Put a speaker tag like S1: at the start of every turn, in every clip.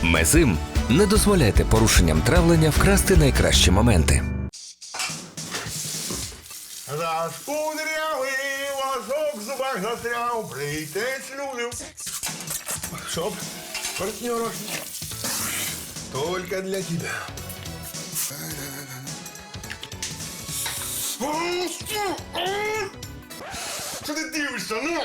S1: Мезим. Не дозволяйте порушенням травлення вкрасти найкращі моменти.
S2: Розкудрявий ложок в зубах застряв, плітець люблю. Чтоб партнеров только для тебя. Что ты дивишься, ну?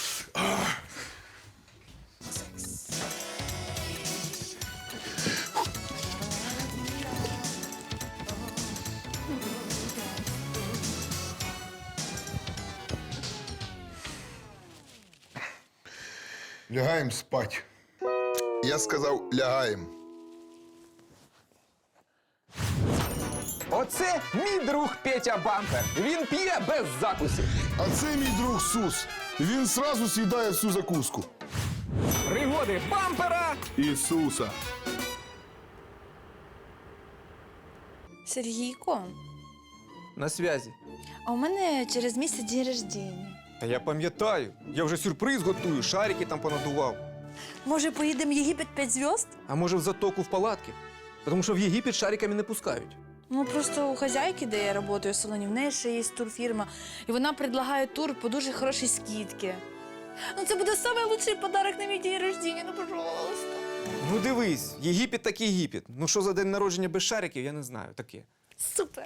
S2: Лягаем спать. Я сказав, лягаем.
S3: Оце мій друг Петя Бампер. Він п'є без закусів.
S2: А це мій друг Сус. Він сразу з'їдає всю закуску.
S3: Пригоди Бампера.
S2: Ісуса.
S4: Сергійко,
S3: На зв'язі.
S4: а у мене через місяць день рождення.
S3: Та я пам'ятаю. Я вже сюрприз готую, шарики там понадував.
S4: Може, поїдемо в Єгипет 5 зв'язд?
S3: А може в затоку в палатки? Тому що в Єгипет шариками не пускають.
S4: Ну, просто у хазяйки, де я працюю в салоні, в неї ще є турфірма, і вона предлагає тур по дуже хорошій скидці. Ну, це буде найкращий подарок на мій день рождення, ну, пожалуйста.
S3: Ну дивись, Єгипет так Єгипет. Ну що за день народження без шариків, я не знаю. Таке.
S4: Супер.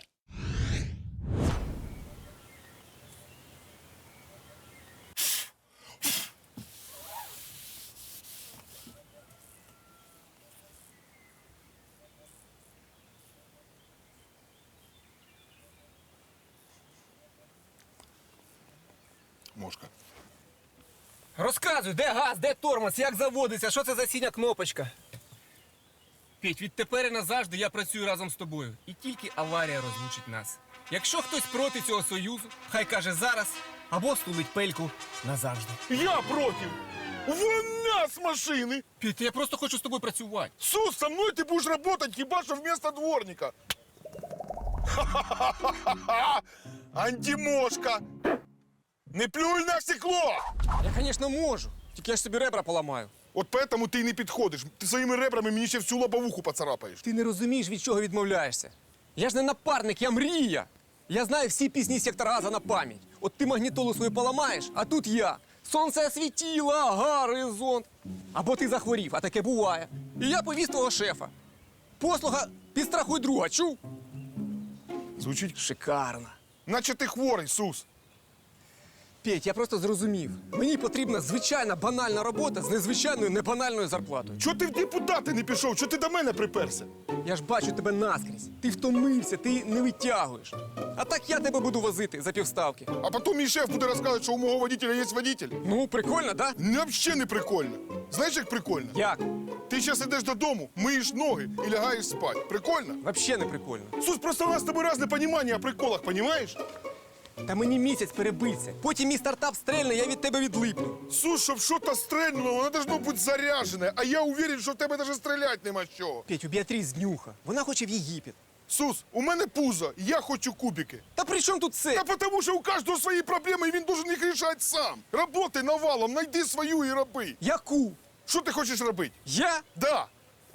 S2: Мошка.
S3: Розказуй, де газ, де тормоз, як заводиться, що це за синя кнопочка?
S5: Петь, відтепер і назавжди я працюю разом з тобою. І тільки аварія розлучить нас. Якщо хтось проти цього союзу, хай каже зараз або стулить пельку назавжди.
S2: Я против! Вон нас машины!
S5: Петь, я просто хочу з тобою працювати.
S2: Сус, со мной ты будешь работать, хиба что вместо дворника. Антимошка! Не плюй на стекло!
S3: Я, звісно, можу. Тільки я ж собі ребра поламаю.
S2: От поэтому ты и не підходиш. Ти своїми ребрами мені ще всю лобовуху поцарапаєш.
S3: Ти не розумієш, від чого відмовляєшся. Я ж не напарник, я мрія. Я знаю всі пісні сектора Газа на пам'ять. От ти магнітолу свою поламаєш, а тут я. Сонце освітіло, горизонт. Або ти захворів, а таке буває. І я повіз твого шефа. Послуга підстрахуй друга, чув?
S2: Звучить,
S3: Шикарно.
S2: наче ти хворий, Сус.
S3: Петь, я просто зрозумів. Мені потрібна звичайна банальна робота з незвичайною небанальною зарплатою.
S2: Чого ти в депутати не пішов? Чого ти до мене приперся?
S3: Я ж бачу тебе наскрізь. Ти втомився, ти не витягуєш. А так я тебе буду возити за півставки.
S2: А потім мій шеф буде розказувати, що у мого водителя є водитель.
S3: Ну, прикольно, да?
S2: Взагалі не прикольно. Знаєш, як прикольно?
S3: Як?
S2: Ти зараз йдеш додому, миєш ноги і лягаєш спати. Прикольно?
S3: Вообще не прикольно.
S2: Сус, просто у нас з тобою різне розуміння о приколах, понімаєш?
S3: Та мені місяць перебиться. Потім мій стартап стрельне, я від тебе відлипну.
S2: Сус, щоб щось стрельнуло, воно должно бути заряджене, а я уверен, що в тебе навіть стріляти нема з чого.
S3: Петь, у Біатріс днюха. Вона хоче в Єгипет.
S2: Сус, у мене пузо, я хочу кубики.
S3: Та при чому тут це?
S2: Та тому, що у кожного свої проблеми, і він должен їх рішати сам. Работай навалом, знайди свою і роби.
S3: Яку?
S2: Що ти хочеш робити?
S3: Я?
S2: Да.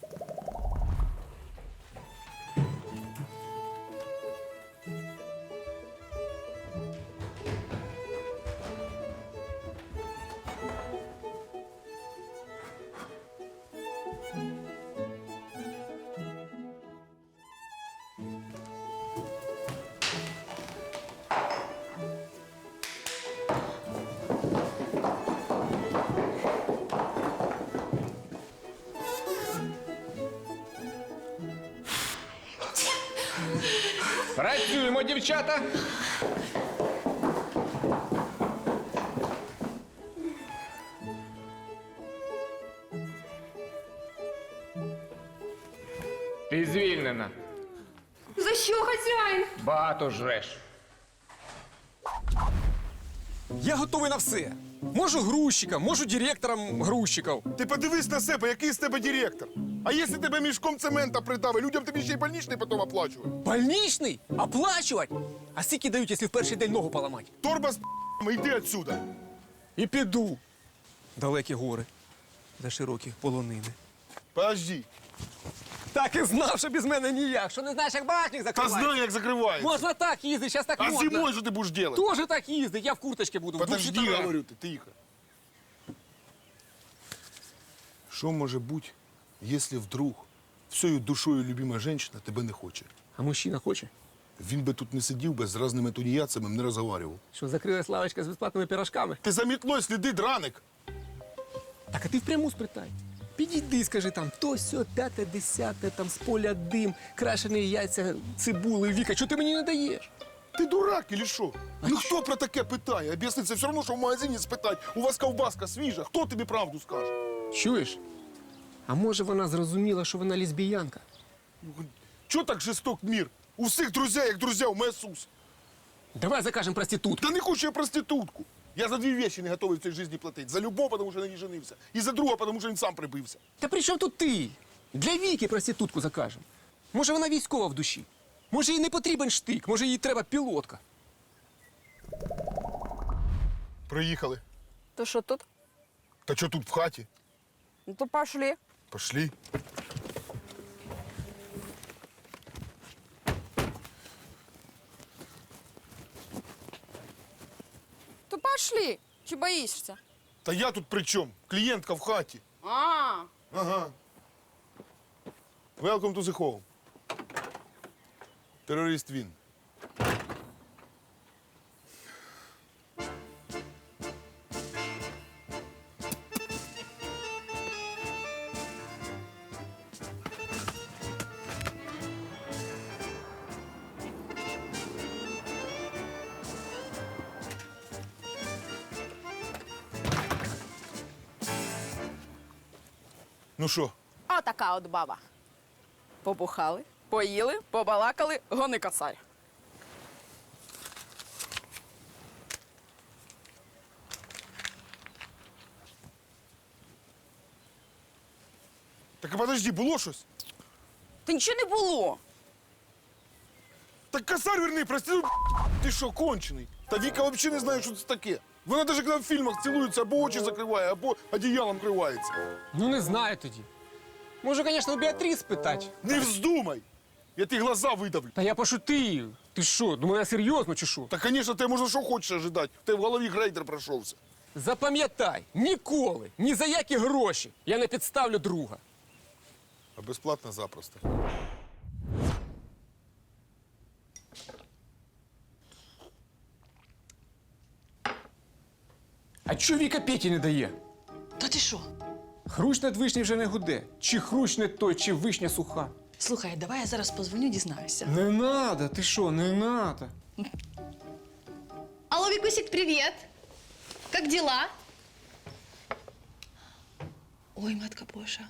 S3: Працюємо, дівчата.
S6: Ти звільнена.
S7: За що, хазяїн?
S6: Багато жреш.
S3: Я готовий на все. Можу грузчиком, можу директором грузчиків.
S2: Ти подивись на себе, який з тебе директор. А якщо тебе мішком цемента придавить, людям тобі ще й больничний потім оплачують.
S3: Больничний? Оплачувати? А скільки дають, якщо в перший день ногу поламати?
S2: Торба з п***ми, йди отсюда.
S3: І піду. Далекі гори, за широкі полонини.
S2: Подожди.
S3: Так і знав, що без мене ніяк. Що не знаєш, як багажник
S2: Та
S3: закривається?
S2: знаю, як закривається.
S3: Можна так їздити, зараз так
S2: А
S3: модно.
S2: зимою що ти будеш робити?
S3: Тоже так їздить, я в курточці буду. в двох
S2: Подожди,
S3: світерах.
S2: говорю, ти тихо. Що може бути, якщо вдруг всею душою любима жінка тебе не хоче?
S3: А мужчина хоче?
S2: Він би тут не сидів би з різними тунеядцями, не розговорював.
S3: Що, закрилась лавочка з безплатними пирожками?
S2: Ти за мітлою сліди, драник.
S3: Так, а ти впряму спритай. Підійди, скажи там, то сьо, п'яте, десяте, там з поля дим, крашені яйця, цибули, Віка, чого ти мені не даєш?
S2: Ти дурак или що? Ну хто про таке питає? Об'ясни, це все одно, що в магазині спитать, у вас ковбаска свіжа, хто тобі правду скаже?
S3: Чуєш? А може вона зрозуміла, що вона лесбіянка?
S2: Чого так жесток мір? У всіх друзі, як друзі, у мене Сус.
S3: Давай закажемо проститутку.
S2: Та не хочу я проститутку. Я за дві речі не готовий в цій житті платити. За любов, тому що на ній женився. І за друга, тому що він сам прибився.
S3: Та при чому тут ти? Для Віки проститутку закажемо. Може вона військова в душі? Може їй не потрібен штик, може їй треба пілотка.
S2: Приїхали.
S8: То что тут?
S2: Та що тут в хаті?
S8: Ну то пошли.
S2: Пошли.
S8: То пошли. Чи боишься?
S2: Та я тут при чому? Клієнтка в хаті.
S8: А,
S2: Ага. Welcome to the home. Терорист він. Ну що?
S8: отака от баба. Побухали, поїли, побалакали, гони косарь.
S2: Так а подожди, було щось?
S8: Та нічого не було.
S2: Так косарь верни, прости, ну, ти що, кончений? Та Віка взагалі не знає, що це таке. Вона навіть коли в фільмах цілується, або очі закриває, або одіялом кривається.
S3: Ну не знаю тоді. Може, звісно, у Біатріс питати.
S2: Не вздумай! Я ті глаза видавлю.
S3: Та я пошутив. Ти що, думаю, я серйозно чи що?
S2: Та, звісно, ти можна що хочеш ожидати. В тебе в голові грейдер пройшовся.
S3: Запам'ятай, ніколи, ні за які гроші я не підставлю друга.
S2: А безплатно запросто.
S3: А чого Віка Петі не дає?
S9: Та ти що?
S3: Хрущ над вишні вже не гуде. Чи хрущ не той, чи вишня суха.
S9: Слухай, давай я зараз позвоню, дізнаюся.
S3: Не надо, ти що, не надо.
S4: Алло, Викусик, привет! Как дела?
S9: Ой, матка Божа.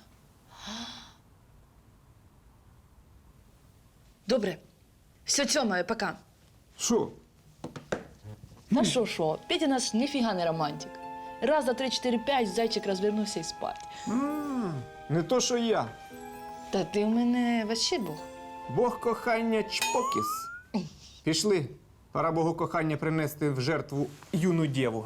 S9: Добре. Все, Тьома, пока.
S3: Що?
S9: Та що? Петя наш ніфіга не романтик. Раз, два, три, чотири, п'ять, зайчик розвернувся і спать.
S3: Не то, що я.
S9: Та ти у мене вообще Бог.
S3: Бог кохання чпокіс. Пішли. Пора Богу кохання принести в жертву юну дєву.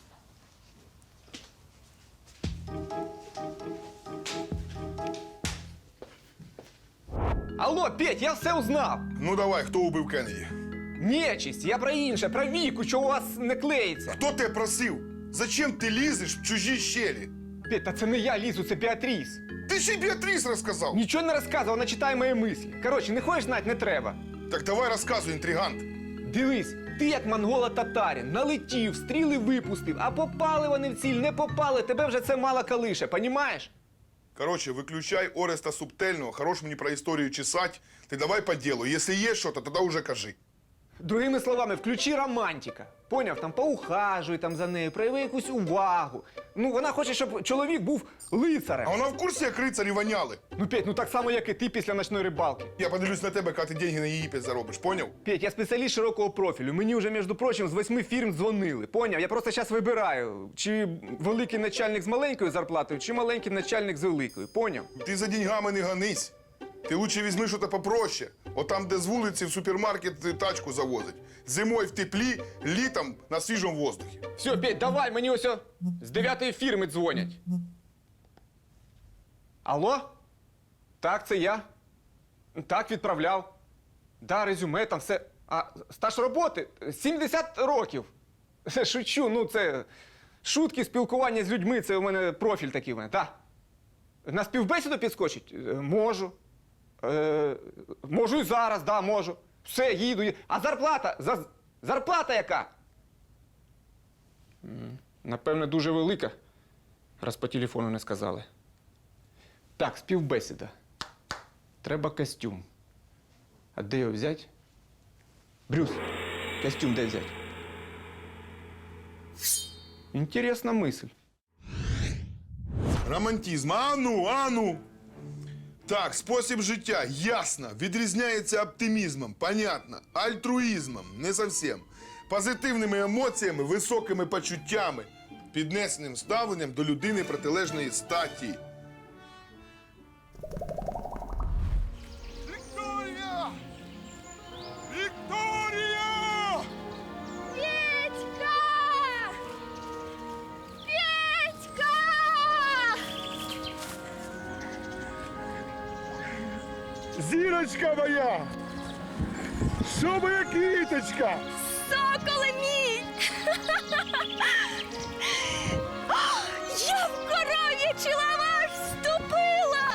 S3: Алло, Петь, я все узнав.
S2: Ну давай, хто убив Кеннеді?
S3: Нечисть, я про інше, про Віку, що у вас не клеїться.
S2: Хто тебе просив? Зачем ти лізеш в чужі щелі?
S3: Петь, та це не я лізу, це Біатріс.
S2: Ти ще й Біатріс розказав.
S3: Нічого не розказував, вона читає мої мислі. Коротше, не хочеш знати, не треба.
S2: Так давай розказуй, інтригант.
S3: Дивись, ти як монголо-татарин, налетів, стріли випустив, а попали вони в ціль, не попали, тебе вже це мало калише, понімаєш?
S2: Короче, выключай Ореста Субтельного, хорош мені про історію чесать. Ти давай по ділу. Якщо є щось, тоді уже кажи.
S3: Другими словами, включи романтика. Поняв, там поухажуй там за нею, прояви якусь увагу. Ну, вона хоче, щоб чоловік був лицарем.
S2: А вона в курсі, як рицарі воняли?
S3: Ну, Петь, ну так само, як і ти після ночної рибалки.
S2: Я подивлюсь на тебе, коли ти деньги на Єгипет заробиш, поняв?
S3: Петь, я спеціаліст широкого профілю. Мені вже, між прочим, з 8 фірм дзвонили. Поняв? Я просто зараз вибираю, чи великий начальник з маленькою зарплатою, чи маленький начальник з великою. Поняв?
S2: Ти за деньгами не гонись. Ти лучше візьми щось попроще. От там, де з вулиці в супермаркет тачку завозить. Зимою в теплі, літом на свіжому воздухі.
S3: Все, Петь, давай, мені ось з 9-ї фірми дзвонять. Алло? Так, це я. Так, відправляв. Да, резюме, там все. А стаж роботи 70 років. Шучу, ну це шутки, спілкування з людьми, це у мене профіль такий у мене, так. На співбесіду підскочить? Можу. Можу і зараз, да, можу. Все, їду. А зарплата? Зарплата яка? Напевне, дуже велика, раз по телефону не сказали. Так, співбесіда. Треба костюм. А де його взяти? Брюс, костюм де взяти? Інтересна мисль.
S2: Романтизм. А ну. Так, спосіб життя, ясно, відрізняється оптимізмом, понятно, альтруїзмом, не зовсім, позитивними емоціями, високими почуттями, піднесеним ставленням до людини протилежної статі. Вікторія! Вікторія!
S7: Петька! Петька!
S2: Зірочка моя! Що моя квіточка?
S7: Соколе мій! Я в коров'ячий лаваш вступила!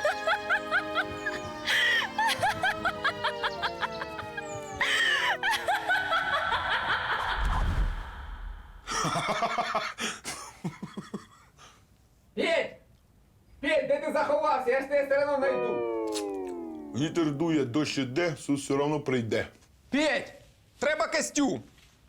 S3: Петь! Петь, де ти заховався? Я ж тебе все одно знайду.
S2: Вітер дує, дощ іде, Сус все одно прийде.
S3: Петь! Треба костюм!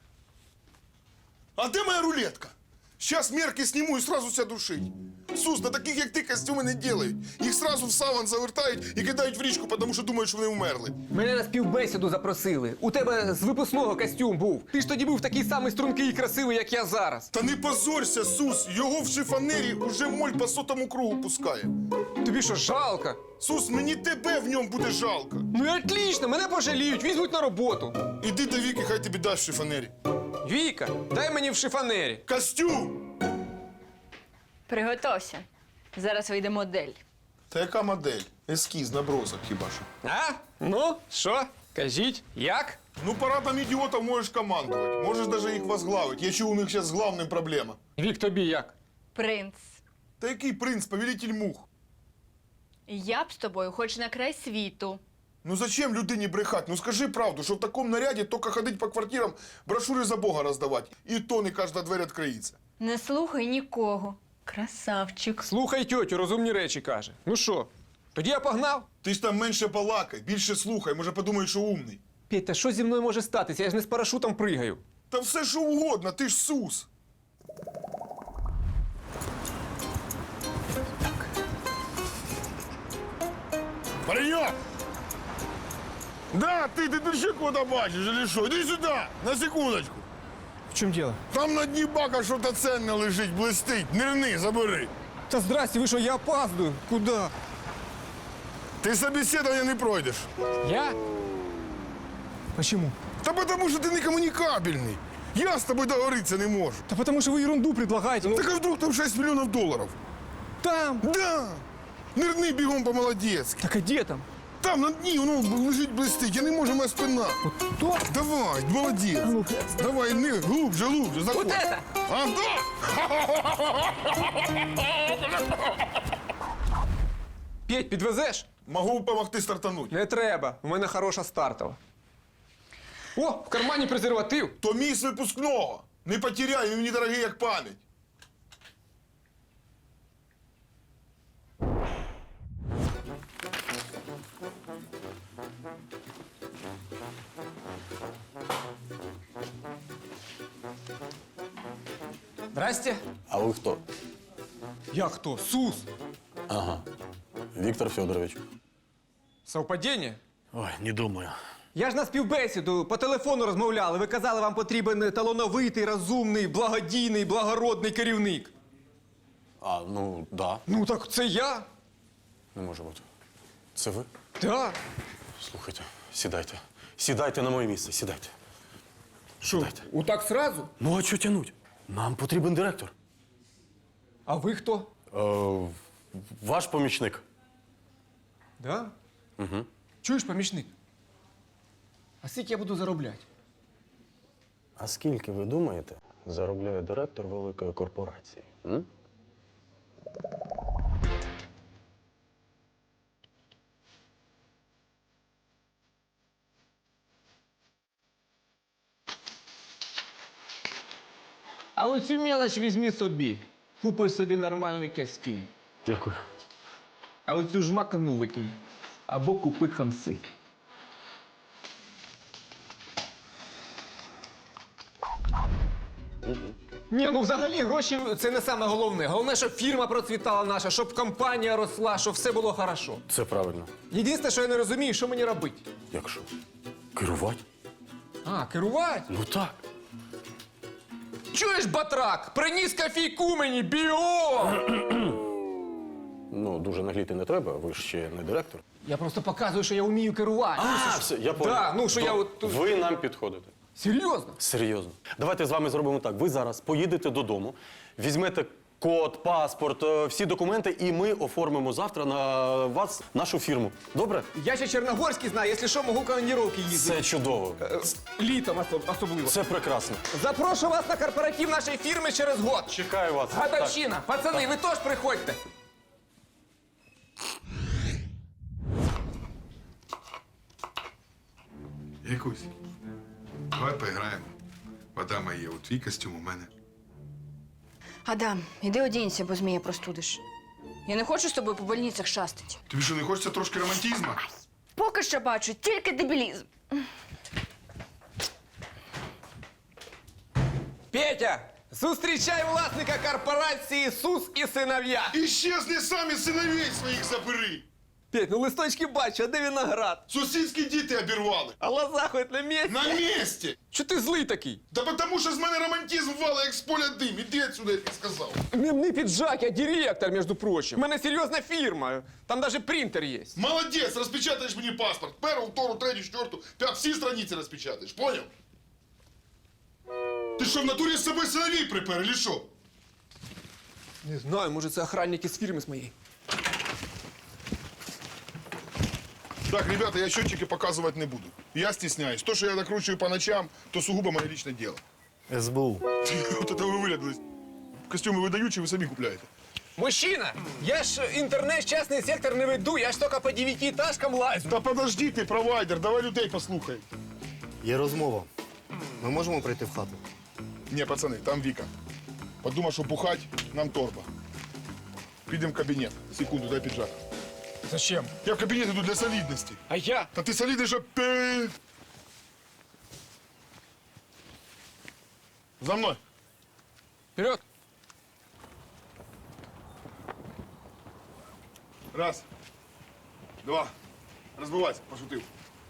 S2: А де моя рулетка? Сейчас мерки сниму и сразу сяду шить. Сус, на таких, як ти, костюми не делають. Їх сразу в саван завертають і кидають в річку, тому що думають, що вони вмерли.
S3: Мене на співбесіду запросили. У тебе з випускного костюм був. Ти ж тоді був такий самий стрункий і красивий, як я зараз.
S2: Та не позорься, Сус, його в шифонері уже моль по сотому кругу пускає.
S3: Тобі що, жалко?
S2: Сус, мені тебе в ньому буде жалко.
S3: Ну і отлично, мене пожаліють, візьмуть на роботу.
S2: Іди до Віки, хай тобі дасть в шифонері.
S3: Віка, дай мені в шифонері.
S2: Костюм!
S7: Приготовся. Зараз вийде модель.
S2: Та яка модель? Ескіз, набросок хіба що.
S3: А? Ну, що? Кажіть, як?
S2: Ну, парадом ідіотів можеш командувати. Можеш навіть їх возглавити. Я чув, у них зараз з главним проблема.
S3: Вік, тобі як?
S7: Принц.
S2: Та який принц, повелитель мух?
S7: Я б з тобою хоч на край світу.
S2: Ну зачем людині брехать? Ну скажи правду, що в такому наряді тільки ходить по квартирам, брошури за Бога роздавати. І то не кожна двері відкриється.
S7: Не слухай нікого. Красавчик.
S3: Слухай тьотю, розумні речі каже. Ну що, тоді я погнав?
S2: Ти ж там менше балакай, більше слухай, може подумаєш, що умний.
S3: Петь, та що зі мною може статися? Я ж не з парашутом пригаю.
S2: Та все що угодно, ти ж Сус. Паренек! Да, ты ще кого-то бачиш, или що? Іди сюди, на секундочку.
S3: В чому діло?
S2: Там на дні бака що-то ценне лежить, блистить. Нирни, забери.
S3: Та здрасте, ви що, я опаздую. Куди?
S2: Ти собеседування не пройдеш.
S3: Я? Почему?
S2: Та потому що ти не комунікабельний. Я з тобою договоритися не можу.
S3: Да потому что вы ерунду предлагаете. Ну,
S2: Так а вдруг там 6 мільйонів доларів?
S3: там.
S2: Да! Нирни бігом по-молодецьки.
S3: Так а где там?
S2: Там на дні воно лежить блистить, я не можу, моя спина.
S3: То?
S2: Давай, молодець. Давай, не, глубже, заходь.
S3: Вот это?
S2: А, да!
S3: Петь, підвезеш?
S2: Могу допомогти стартануть.
S3: Не треба. У мене хороша стартова. О, в кармані презерватив.
S2: То мій з випускного. Не потеряй, він мені дорогий, як пам'ять.
S3: Здрасте.
S10: А вы кто?
S3: Я хто? Сус.
S10: Ага. Виктор Федорович.
S3: Совпадіння?
S10: Ой, не думаю.
S3: Я ж на співбесіду по телефону розмовляли. Ви казали, вам потрібен талановитий, розумний, благодійний, благородний керівник.
S10: А, ну, да.
S3: Ну так це я.
S10: Не може бути. Це ви?
S3: Да.
S10: Слухайте, сідайте. Сідайте на моє місце, сідайте.
S3: Що, отак сразу?
S10: Ну, а що тянуть? Нам потрібен директор.
S3: А ви хто?
S10: Ваш помічник.
S3: Да?
S10: Угу.
S3: Чуєш, помічник? А скільки я буду заробляти?
S10: А скільки, ви думаєте, заробляє директор великої корпорації? М?
S6: А оцю мелоч візьми собі. Купи собі нормальний костюм.
S10: Дякую.
S6: А оцю жмакану викинь. Або купи хамси.
S3: Ні, ну взагалі гроші це не саме головне. Головне, щоб фірма процвітала наша, щоб компанія росла, щоб все було хорошо.
S10: Це правильно.
S3: Єдине, що я не розумію, що мені робити.
S10: Якщо? Керувати?
S3: А, керувати?
S10: Ну так.
S3: Чуєш, батрак? Приніс кофійку мені, біо!
S10: Ну, дуже нагліти не треба, ви ж ще не директор.
S3: Я просто показую, що я вмію керувати.
S10: А, все, я понял.
S3: Да, ну, що я от тут-
S10: Ви нам підходите.
S3: Серйозно?
S10: Серйозно. Давайте з вами зробимо так. Ви зараз поїдете додому, візьмете код, паспорт, всі документи, і ми оформимо завтра на вас нашу фірму. Добре?
S3: Я ще Чорногорський знаю, якщо що, можу командировки їздити.
S10: Це чудово.
S3: Літом особливо.
S10: Це прекрасно.
S3: Запрошую вас на корпоратив нашої фірми через год.
S10: Чекаю вас.
S3: Годовщина. Пацани, ви теж приходьте.
S2: Якусь. Давай поіграємо. Вода моя, от твій костюм у мене.
S8: Адам, іди одінься, бо змія простудиш. Я не хочу з тобою по больницях шастати.
S2: Тобі що, не хочеться трошки романтизму?
S8: Поки що бачу, тільки дебілізм.
S3: Петя, зустрічай власника корпорації «Сус і синов'я».
S2: Іщезни самі синовей своїх забери!
S3: Петь, ну листочки бачу, а де виноград?
S2: Сусідські діти обірвали.
S3: А лоза хоч на місці?
S2: На місці!
S3: Чого ти злий такий?
S2: Да потому що з мене романтизм вала, як з поля дим. Іди отсюда, я тобі сказав.
S3: Не піджак, я директор, між прочим. У мене серйозна фірма, там навіть принтер є.
S2: Молодець, розпечатаєш мені паспорт. Першу, втору, третю, четверту, п'яту, всі страниці розпечатаєш, поняв? Ти що, в натурі з собою синовей припер, или що?
S3: Не знаю, може це охранники з фірми з моєї.
S2: Так, ребята, я счетчики показывать не буду. Я стесняюсь. То, что я накручиваю по ночам, то сугубо мое личное дело.
S10: СБУ.
S2: Вот это вы вылядались. Костюмы выдаючие, вы сами купляете.
S3: Мужчина, я ж інтернет, частний сектор не веду, я ж тільки по 9-этажкам лазю.
S2: Та подожди ти, провайдер, давай людей послухай.
S11: Є розмова. Ми можемо прийти в хату?
S2: Не, пацаны, там Вика. Подумав, що бухать, нам торба. Підемо в кабінет. Секунду, дай піджак.
S3: Зачем?
S2: Я в кабінет іду для солідності.
S3: А я?
S2: Та ти солідний, щоб ти... За мною.
S3: Вперед!
S2: Раз. Два. Розбивайся, пошутив.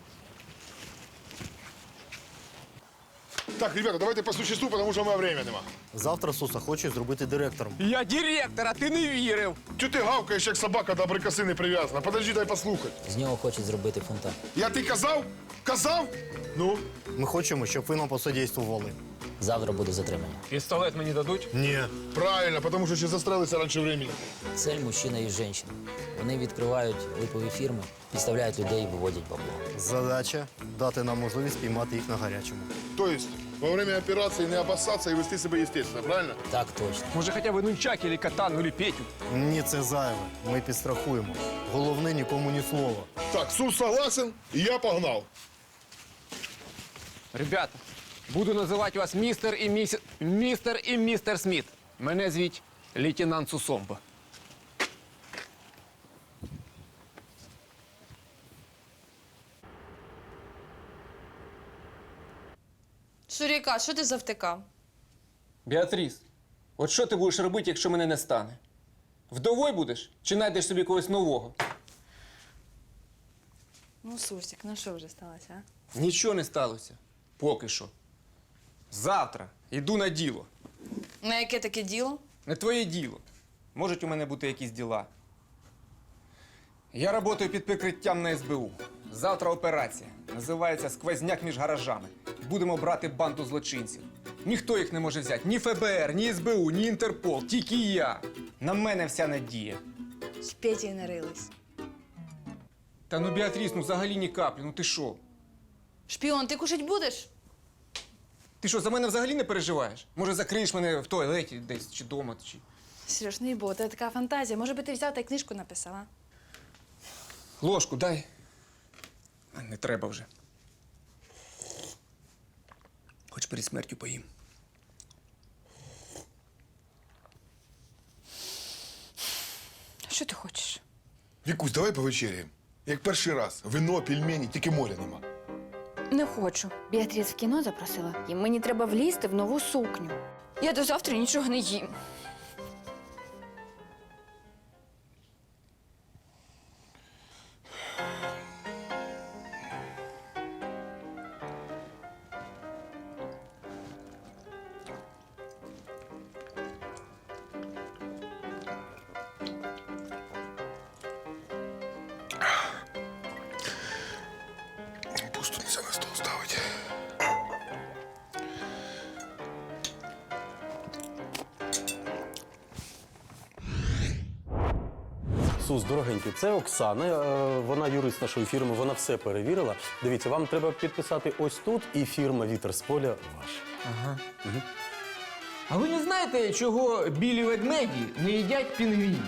S2: Так, ребята, давайте по существу, потому що в мене время нема.
S11: Завтра Суса хоче зробити директором.
S3: Я директор, а ти не вірив.
S2: Чого ти гавкаєш, як собака до абрикоси не прив'язана? Подожди, дай послухати.
S12: З нього хочуть зробити фонтан.
S2: Я ти казав? Казав? Ну?
S11: Ми хочемо, щоб ви нам посодействували.
S12: Завтра буде затримання.
S3: Пістолет мені дадуть?
S11: Ні.
S2: Правильно, тому що ще застрелися раніше времени.
S12: Цель мужчина і жінка. Вони відкривають липові фірми, підставляють людей і виводять бабло.
S11: Задача дати нам можливість піймати їх на гарячому.
S2: Тобто, во время операції не обоссатися і вести себе естественно, правильно?
S12: Так точно.
S3: Може, хоча б нунчак, или катану, или Петю.
S11: Ні, це зайве. Ми підстрахуємо. Головне, нікому ні слова.
S2: Так, Сус согласен, і я погнав.
S3: Ребята, буду називати вас містер і містер Сміт. Мене звуть лейтенант Сусомба.
S4: Шуріка, що ти завтикав?
S3: Біатріс, от що ти будеш робити, якщо мене не стане? Вдовою будеш чи знайдеш собі когось нового?
S4: Ну, Сурсик, ну що вже сталося, а?
S3: Нічого не сталося. Поки що. Завтра йду на діло.
S4: На яке таке діло?
S3: Не твоє діло. Можуть у мене бути якісь діла. Я працюю під прикриттям на СБУ. Завтра операція. Називається «Сквозняк між гаражами». Будемо брати банду злочинців. Ніхто їх не може взяти. Ні ФБР, ні СБУ, ні Інтерпол. Тільки я. На мене вся надія.
S4: З Петєю нарились.
S5: Та ну, Біатріс, ну взагалі ні каплі, ну ти що?
S4: Шпіон, ти кушать будеш?
S5: Ти що, за мене взагалі не переживаєш? Може, закриєш мене в туалеті десь, чи дома, чи...
S4: Сереж, не бо, це така фантазія. Може би ти взяв та й книжку написав, а?
S5: Ложку дай. А, не треба вже. Хоч перед смертю поїм.
S4: Що ти хочеш?
S2: Вікусь, давай повечеряємо. Як перший раз. Вино, пельмені, тільки моря нема.
S8: Не хочу. Біатріс в кіно запросила, і мені треба влізти в нову сукню. Я до завтра нічого не їм.
S2: Пусто нельзя на стол ставить.
S10: Сус, дорогенький, це Оксана, вона юрист нашої фірми, вона все перевірила. Дивіться, вам треба підписати ось тут, і фірма «Вітер з поля» ваша.
S3: А ви не знаєте, чого білі ведмеді не їдять пінгвінів?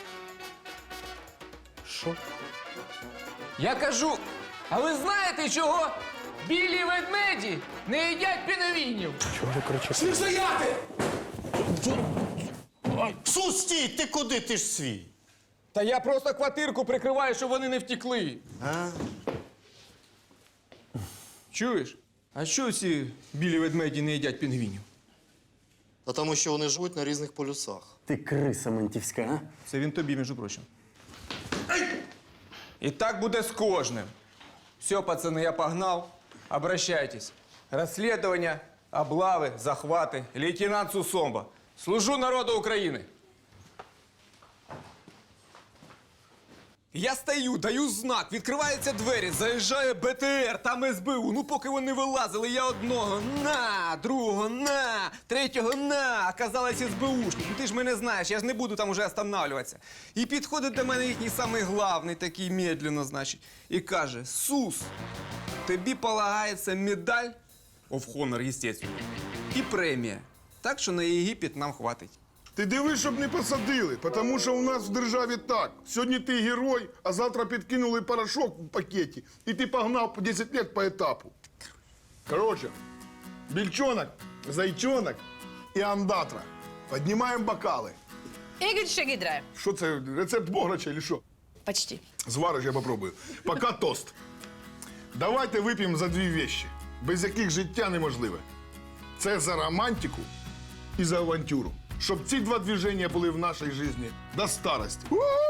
S10: Що?
S3: Я кажу, а ви знаєте, чого білі ведмеді не їдять пінгвінів?
S10: Чого ви кричите?
S3: Стояти!
S11: Сус, стій, ти куди? Ти ж свій.
S3: Та я просто квартирку прикриваю, щоб вони не втекли.
S11: А?
S3: Чуєш? А що ці білі ведмеді не їдять пінгвінів?
S11: Та тому що вони живуть на різних полюсах.
S10: Ти криса ментівська, а?
S3: Це він тобі, між прочим. І так буде з кожним. Все, пацани, я погнал. Обращайтесь. Розслідування, облави, захвати. Лейтенант Сусомба. Служу народу України. Я стою, даю знак, відкриваються двері, заїжджає БТР, там СБУ. Ну, поки вони вилазили, я одного на, другого на, третього на. Оказалось СБУшник. Ну, ти ж мене знаєш, я ж не буду там уже останавливатися. І підходить до мене їхній самий главний, такий медленно, значить, і каже: Сус, тобі полагається медаль, of honor, естественно, і премія. Так що на Єгипет нам хватить.
S2: Ти дивись, щоб не посадили, тому що у нас в державі так. Сьогодні ти герой, а завтра підкинули порошок в пакеті, і ти погнав по 10 років по етапу. Коротше, більчонок, зайчонок і андатра. Піднімаємо бокали.
S4: Ігор Шагідра.
S2: Що це, рецепт бограча чи що?
S4: Почти.
S2: Звариш, я попробую. Пока тост. Давайте вип'ємо за дві вещи, без яких життя неможливе. Це за романтику і за авантюру. Щоб ці два движення були в нашій житті до старості.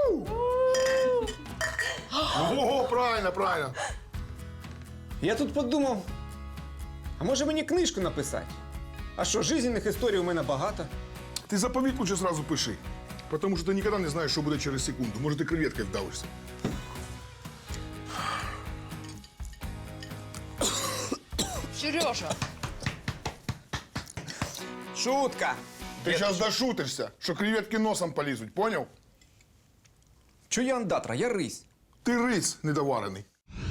S2: Ого, правильно, правильно.
S3: Я тут подумав, а може мені книжку написати? А що, жизненних історій у мене багато.
S2: Ти заповіт лучше сразу пиши. Тому що ти ніколи не знаєш, що буде через секунду. Може, ти креветкою вдавишся.
S4: Сережа.
S3: Шутка.
S2: Ти зараз дошутишся, що креветки носом полізуть, поняв?
S3: Чо я андатра, я рись.
S2: Ти рис недоварений.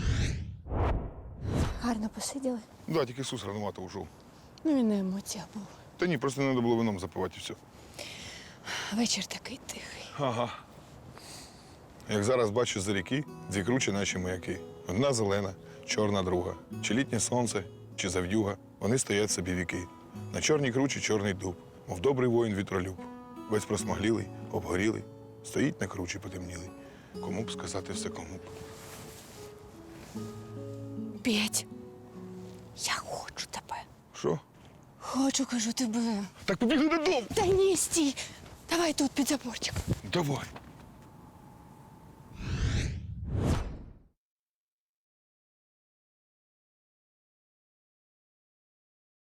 S8: Гарно посиділи.
S2: Да, тільки Ісус рановато ушов.
S8: Ну, він на емоціях був.
S2: Та ні, просто не треба було вином запивати і все.
S8: Вечір такий тихий.
S2: Ага. Як зараз бачу за ріки, дві кручі наші маяки. Одна зелена, чорна друга. Чи літнє сонце, чи зав'юга. Вони стоять собі віки. На чорній кручі чорний дуб, мов добрий воїн вітролюб. Весь просмаглілий, обгорілий, стоїть на кручі потемнілий. Кому б сказати все кому б.
S8: Петь, я хочу тебе.
S2: Що?
S8: Хочу, кажу, тебе.
S2: Так побігли додому.
S8: Та ні, стій. Давай тут під заборчик.
S2: Давай.